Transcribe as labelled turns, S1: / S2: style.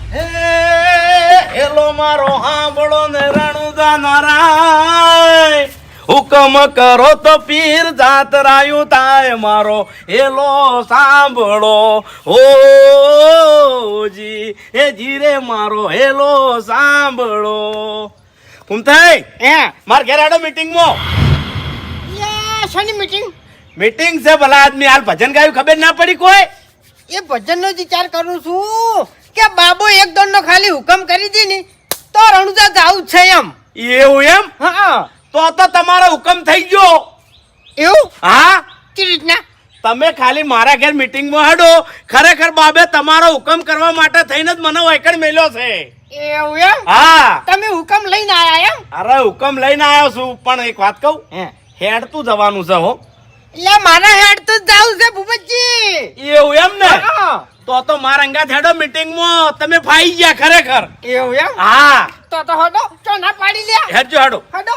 S1: hello મારો હાંભળો ને રણુદા નારાય હુકમ કરો તો પીર જાતરાયું થાય મારો હેલો સાંભળો ઓ જી હે જીરે મારો હેલો સાંભળો કુમથાઈ માર ઘેર આડો મીટિંગમાં
S2: શાની
S1: મીટિંગ છે ભલા આદમી હાલ ભજન ગાયું ખબર ના પડી કોઈ
S2: એ ભજનનો વિચાર કરું છું કે બાબો એક દોડનો ખાલી હુકમ કરી દી ને તો રણુજા જાવું છે એમ
S1: એવું એમ
S2: હા
S1: તો તમારો હુકમ થઈ ગયો
S2: એવું
S1: હા
S2: કેવી રીતના
S1: તમે ખાલી મારા ઘેર મીટિંગમાં હડો ખરેખર બાબે તમારો હુકમ કરવા માટે થઈને જ મને વાયકડ મેલ્યો છે
S2: એવું એમ
S1: હા
S2: તમે હુકમ લઈને આયા એમ
S1: અરે હુકમ લઈને આવ્યો છું પણ એક વાત કહું હેડતું જવાનું છે હો
S2: એટલે મારા હેડ તો જાવું છે ભૂપતજી
S1: એવું એમ ને તો મારા અંગાત હેડો મીટિંગમાં તમે ફાઈ ગયા ખરેખર
S2: એવું એમ
S1: હા
S2: તો હડો તો ના પાડી લે
S1: હેડજો હેડો
S2: હડો